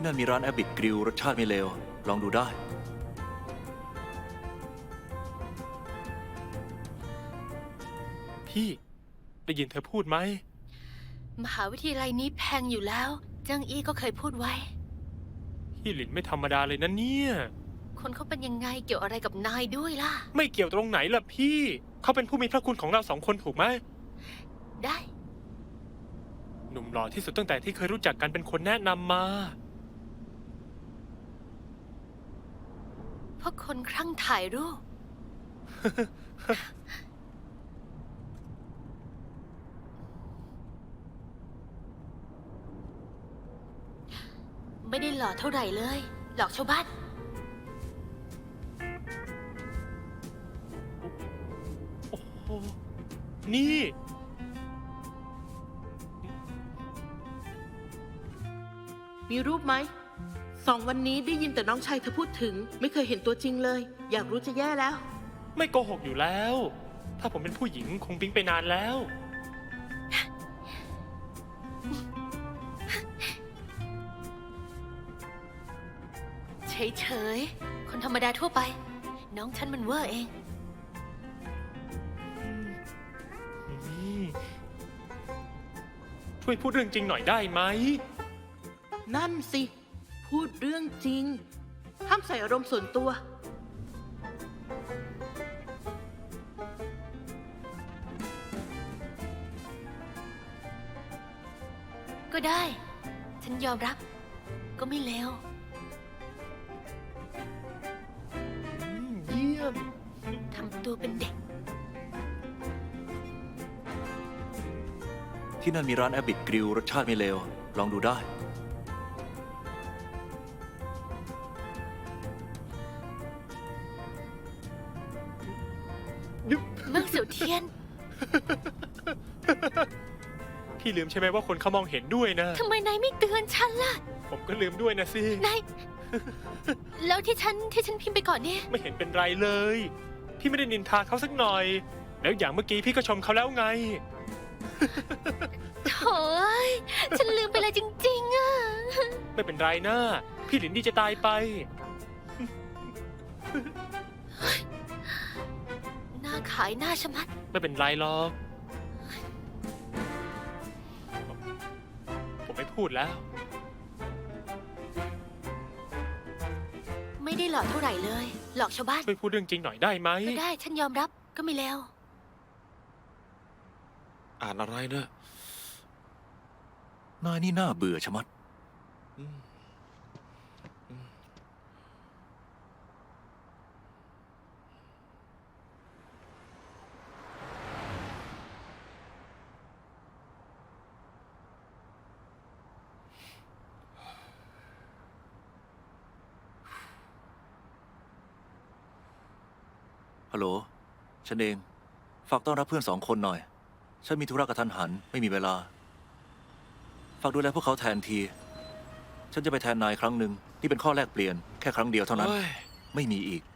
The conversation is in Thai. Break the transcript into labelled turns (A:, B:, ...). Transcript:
A: นั่นมีร้านแอบิทกริลรสชาติไม่เลวลองดูได้
B: พี่ได้ยินเธอพูดไหม
C: มหาวิทยาลัยนี้แพงอยู่แล้วเจิ้งอี้ก็เคยพูดไว้
B: พี่หลินไม่ธรรมดาเลยนะเนี่ย
C: คนเขาเป็นยังไงเกี่ยวอะไรกับนายด้วยล่ะ
B: ไม่เกี่ยวตรงไหนล่ะพี่เขาเป็นผู้มีพระคุณของเรา2 คนถูกไหม
C: ได้
B: หนุ่มหล่อที่สุดตั้งแต่ที่เคยรู้จักกันเป็นคนแนะนำมา
C: เพราะคนคลั่งถ่ายรูป ไม่ได้หล่อเท่าไหร่เลย หลอกชาวบ้าน
B: โอ้โหนี่
D: มีรูปไหม2 วันนี้ได้ยินแต่น้องชายเธอพูดถึงไม่เคยเห็นตัวจริงเลย อยากรู้จะแย่แล้ว
B: ไม่โกหกอยู่แล้ว ถ้าผมเป็นผู้หญิงคงปิ๊งไปนานแล้ว
C: เฉยๆ คนธรรมดาทั่วไป น้องฉันมันเวอร์เอง
B: ช่วยพูดเรื่องจริงหน่อยได้ไหม
D: นั่นสิ พูดเรื่องจริง ห้ามใส่อารมณ์ส่วนตัว
C: ก็ได้ ฉันยอมรับ ก็ไม่เลว
B: เยี่ยม
C: ทำตัวเป็นเด็ก
A: ที่นั่นมีร้านแอบิทกริลรสชาติไม่เลวลองดูได้
C: เมืองเสี่ยวเทียน
B: พี่ลืมใช่ไหมว่าคนเขามองเห็นด้วยนะ
C: ทำไมนายไม่เตือนฉันล่ะ
B: ผมก็ลืมด้วยนะสิ
C: นาย แล้วที่ฉันพิมพ์ไปก่อนเนี่ย
B: ไม่เห็นเป็นไรเลย พี่ไม่ได้นินทาเขาสักหน่อย แล้วอย่างเมื่อกี้พี่ก็ชมเขาแล้วไง
C: โถ่ยฉันลืมไปเลยจริงๆอ่ะ
B: ไม่เป็นไรนะ พี่หลินดีจะตายไป
C: หน้าขายหน้าชะมัด
B: ไม่เป็นไรหรอก ผมไม่พูดแล้ว
C: ไม่ได้หลอกเท่าไหร่เลย หลอกชาวบ้าน
B: ช่วยพูดเรื่องจริงหน่อยได้ไหม
C: ก็ได้ ฉันยอมรับ ก็ไม่เลว
B: อ่านอะไรนะ
A: นายนี่น่าเบื่อชะมัดฮัลโหลฉันเองฝากต้อนรับเพื่อน2 คนหน่อยฉันมีธุระกระทันหันไม่มีเวลาฝากดูแลพวกเขาแทนทีฉันจะไปแทนนายครั้งหนึ่งนี่เป็นข้อแลกเปลี่ยนแค่ครั้งเดียวเท่านั้น ไม่มีอีก